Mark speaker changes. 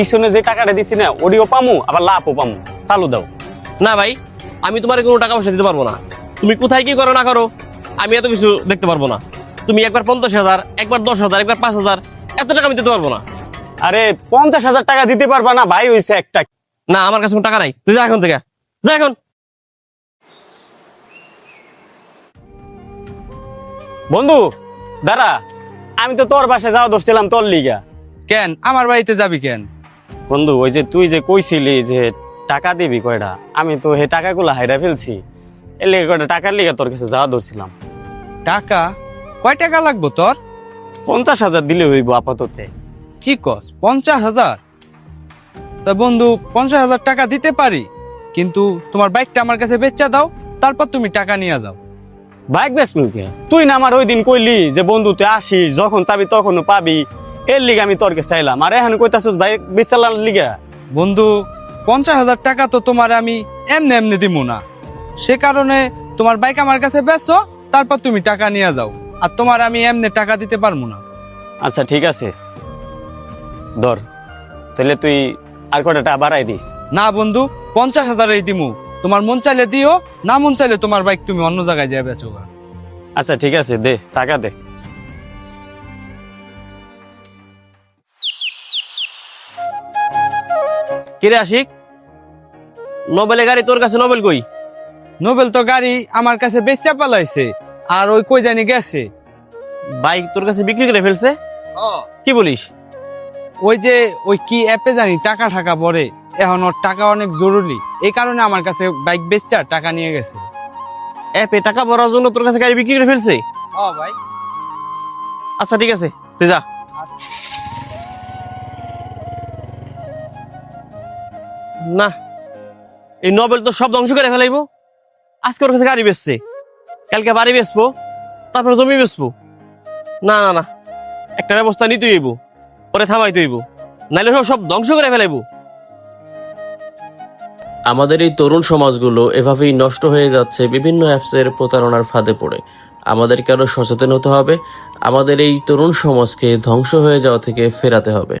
Speaker 1: পিছনে যে টাকাটা দিছি না ওডিও পামু আবার লাভও পামু, চালু দাও।
Speaker 2: না ভাই, আমি তোমার কোনো টাকা পয়সা দিতে পারবো না। তুমি কোথায় কি করো না করো আমি এত কিছু দেখতে পারবো না। তুমি একবার 50,000, একবার 10,000, একবার 5,000, এত টাকা আমি দিতে পারবো না।
Speaker 1: আরে 50,000 টাকা দিতে পারবা না ভাই, হইছে একটা।
Speaker 2: না, আমার কাছে কোনো টাকা নাই, তুই যা এখন থেকে, যা এখন।
Speaker 1: বন্ধু দাঁড়া, আমি তো তোর বাসায় যাওয়া ধরছিলাম তোর লিগা।
Speaker 3: কেন আমার বাড়িতে যাবি কেন?
Speaker 1: বন্ধু ওই যে তুই যে কইছিলি যে টাকা দিবি কয়টা, আমি তো হে টাকাগুলো হাইরা ফেলছি, এর লিগে কয়টা টাকার লিগা তোর কাছে যাওয়া ধরছিলাম।
Speaker 3: টাকা? কয় টাকা লাগবো তোর?
Speaker 1: 50,000 দিলে হইব আপাতত।
Speaker 3: কি কস 50,000? তা বন্ধু 50,000 টাকা দিতে পারি, কিন্তু তোমার বাইকটা আমার কাছে বেচা দাও, তারপর তুমি টাকা নিয়ে যাও।
Speaker 1: বাইক বেশ মুখে তুই না আমার ওই দিন কইলি যে বন্ধু তুই আসিস যখন চাবি তখনও পাবি, এর লিগে আমি তোর কাছে চাইলাম, আর এখন কইতাছিস বাইক বেচালার লিগা।
Speaker 3: বন্ধু 50,000 টাকা তো তোমার আমি এমনি এমনি দিব না, সে কারণে তোমার বাইক আমার কাছে বেচো, তারপর তুমি টাকা নিয়ে যাও, আর তোমার আমি এমনি টাকা দিতে পারবো না।
Speaker 1: আচ্ছা ঠিক আছে, ধর তাহলে তুই আর কয়টা টাকা বাড়াই দিস।
Speaker 3: না বন্ধু, 50,000 দিমু, তোমার মন চাইলে দিও, না মন চাইলে তোমার বাইক তুমি অন্য জায়গায় যাই বেচো গা।
Speaker 1: আচ্ছা ঠিক আছে, দে টাকা দে।
Speaker 2: কিরে আশিক, নোবেলের গাড়ি তোর কাছে, নোবেল কই?
Speaker 3: নোবেল তো গাড়ি আমার কাছে বেচা পালাইছে, আর ওই কই জানি গেছে।
Speaker 2: বাইক তোর কাছে বিক্রি করে ফেলছে? কি বলিস?
Speaker 3: ওই যে ওই কি অ্যাপে জানি টাকা টাকা পড়ে, এখন ওর টাকা অনেক জরুরি, এই কারণে আমার কাছে বাইক বেচা টাকা নিয়ে গেছে।
Speaker 2: অ্যাপে টাকা ভরার জন্য তোর কাছে গাড়ি বিক্রি করে ফেলছে?
Speaker 3: ভাই
Speaker 2: আচ্ছা ঠিক আছে, তুই যা। না, এই নোবেল তো সব ধ্বংস করে ফেলাইবো। আজকে ওর কাছে গাড়ি বেচছে, কালকে বাড়ি বেচবো, তারপরে জমি বেচবো। না না না, একটা ব্যবস্থা নিতে হইব, পরে থামাইতে হইব, নাইলে সব ধ্বংস করে ফেলাইবো। আমাদের এই তরুণ সমাজগুলো এভাবেই নষ্ট হয়ে যাচ্ছে বিভিন্ন অ্যাপসের প্রতারণার ফাঁদে পড়ে। আমাদেরকে আরো সচেতন হতে হবে, আমাদের এই তরুণ সমাজকে ধ্বংস হয়ে যাওয়া থেকে ফেরাতে হবে।